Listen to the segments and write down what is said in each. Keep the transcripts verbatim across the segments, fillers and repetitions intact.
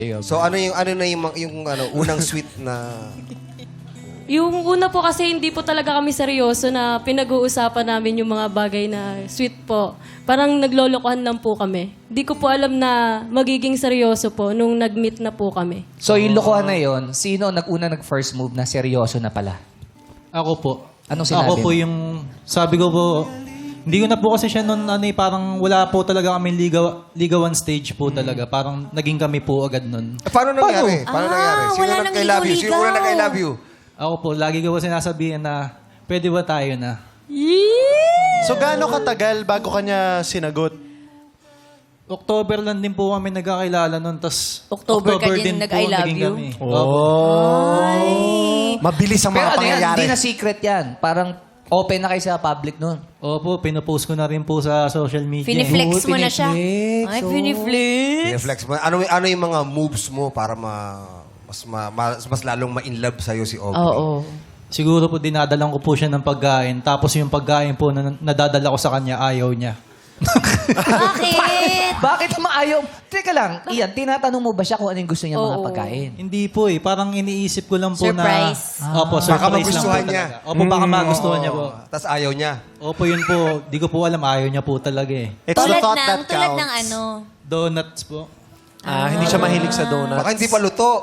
So ano yung ano na yung, yung ano unang sweet na Yung una po kasi hindi po talaga kami seryoso na pinag-uusapan namin yung mga bagay na sweet po. Parang naglolokohan lang po kami. Hindi ko po alam na magiging seryoso po nung nag-meet na po kami. So yung lokohan na yun, sino nag-una nag-first move na seryoso na pala? Ako po. Anong sinabi Ako po mo? yung, sabi ko po, hindi ko na po kasi siya noon, ano eh, parang wala po talaga kami ligaw, ligawan stage po talaga. Parang naging kami po agad noon. Eh, paano nangyari? Paano, Ah, nangyari? Sino wala nang nag-I love you? Sino ligaw-ligaw. una nag-I love you? Ako po, lagi ko po sinasabihin na, pwede ba tayo na? So, gaano katagal bago kanya sinagot? October lang din po kami nagkakilala noon, tas October ka din nag-I love naging you? kami. Ay. Mabilis ang Pero mga ano yan, pangyayari. hindi na secret yan. Parang open na kayo sa public nun. Opo, pinopost ko na rin po sa social media. Finiflex mo na siya. piniflex, Ay, oh. finiflex. Reflex mo. Ano ano yung mga moves mo para ma mas ma, mas, mas lalong ma-in love sa'yo si Aubrey? Oo. Siguro po dinadalan ko po siya ng pagkain, tapos yung pagkain po na nadadala ko sa kanya, ayaw niya. Bakit? Bakit naman ayaw? Teka lang, Ian, tinatanong mo ba siya kung ano yung gusto niya mga Oo. pagkain? Hindi po eh, parang iniisip ko lang po Surprise. na... Opo, Baka surprise lang po magustuhan niya. talaga. Opo, baka magustuhan niya po. Tapos ayaw niya. Opo, yun po. Di ko po alam, ayaw niya po talaga eh. It's the Tulad thought ng, that tulad counts. ng ano. Donuts po. Ah, hindi siya mahilig sa donuts. Baka hindi pa luto.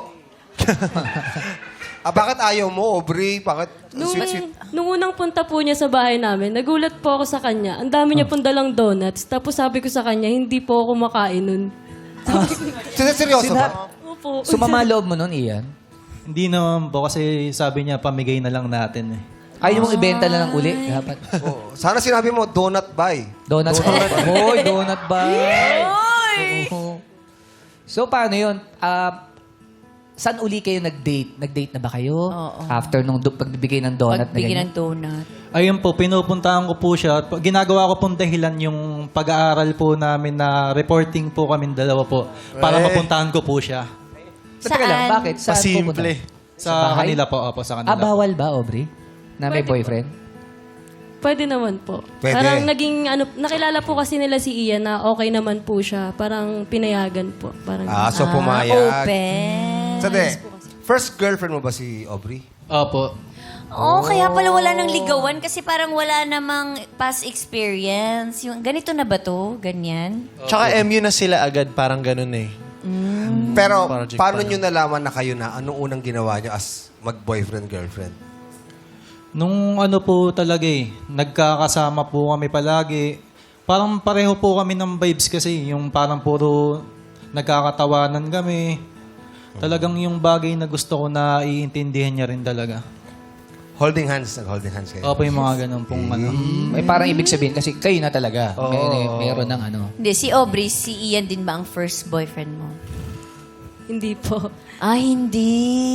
ah, bakit ayaw mo, Aubrey? Bakit Nung, sweet, sweet? nung unang punta po niya sa bahay namin, nagulat po ako sa kanya. Ang dami niya pong dalang donuts. Tapos sabi ko sa kanya, hindi po ako kumakain nun. Sino seryoso Sina- ba? Opo. Sumama loob mo nun, Ian? Hindi naman po kasi sabi niya, pamigay na lang natin eh. Ayaw mong ibenta na lang uli. Dapat. Oo. Sana sinabi mo, donut buy. Donuts. Hoy, donut ba? Oo. So, paano yun? Ah, saan uli kayo nag-date? Nag-date na ba kayo? Oo. After nung du- pagbibigay ng donut na Pagbigyan ganyan? ng donut. Ayun po, pinupuntahan ko po siya. Pa- Ginagawa ko pong dahilan yung pag-aaral po namin na reporting po kami dalawa po. Para Eh. mapuntahan ko po siya. Teka lang, Saan? bakit? Saan Pasimple. pupunta? Sa, bahay? kanila po, opo, sa kanila. Ah, bawal ba, Aubrey? Na may Pwede po. boyfriend? Pwede naman po. Pwede. Parang naging, ano, nakilala po kasi nila si Ian na okay naman po siya. Parang pinayagan po. Parang, Ah, so Ah, pumayag. open. Sade, first girlfriend mo ba si Aubrey? Opo. Oo, kaya pala wala nang ligawan kasi parang wala namang past experience. Yung, ganito na ba to? Ganyan? Tsaka M U na sila agad, parang ganun eh. Pero Project paano pa nyo nalaman na kayo na anong unang ginawa nyo as mag-boyfriend-girlfriend? Nung ano po talaga eh, nagkakasama po kami palagi. Parang pareho po kami ng vibes kasi, yung parang puro nagkakatawanan kami. Talagang yung bagay na gusto ko na iintindihan niya rin talaga. Holding hands, nag-holding hands kayo. Opo, yung mga ganun pong ano. May parang ibig sabihin kasi kayo na talaga. May, meron ng ano. Hindi, si Aubrey, si Ian din ba ang first boyfriend mo? hindi po. Ah, hindi.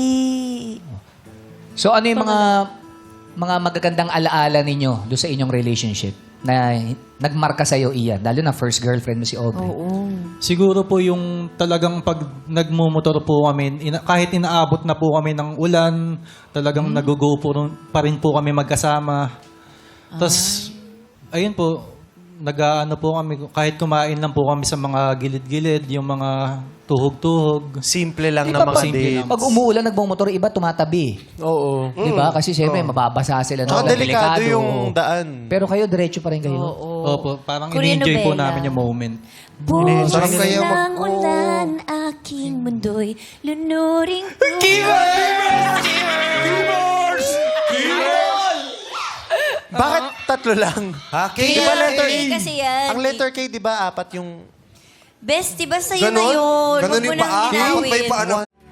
So ano yung mga mga magagandang alaala ninyo doon sa inyong relationship na nagmarka sa'yo, Ian? Lalo na first girlfriend mo si Aubrey. Oo. Siguro po yung talagang pag nagmumotor po kami, ina- kahit inaabot na po kami ng ulan, talagang nag-go po rin- pa rin po kami magkasama. Tapos, ayun po, nag-ano po kami, kahit kumain lang po kami sa mga gilid-gilid, yung mga tuhog-tuhog. Simple lang Di na ba mga pag, date. pag umuulan, nagmumotor, iba tumatabi. Oo. Di ba? Kasi siyempre, mababasa sila. Tsaka no? delikado Delikado. yung daan. Pero kayo, diretso pa rin kayo. Opo, parang Korean in-enjoy po novela. namin yung moment. Bukas Sarap kayo mag- ng ulan, aking mundo'y lunuring ko. Bakit tatlo lang? Ha? K? Di ba letter K kasi yan. Ang letter K, di ba, apat yung... Best, diba sa'yo na Ganon? yun? Ganon Huwag mo yung nang paa? linawin. May paa na-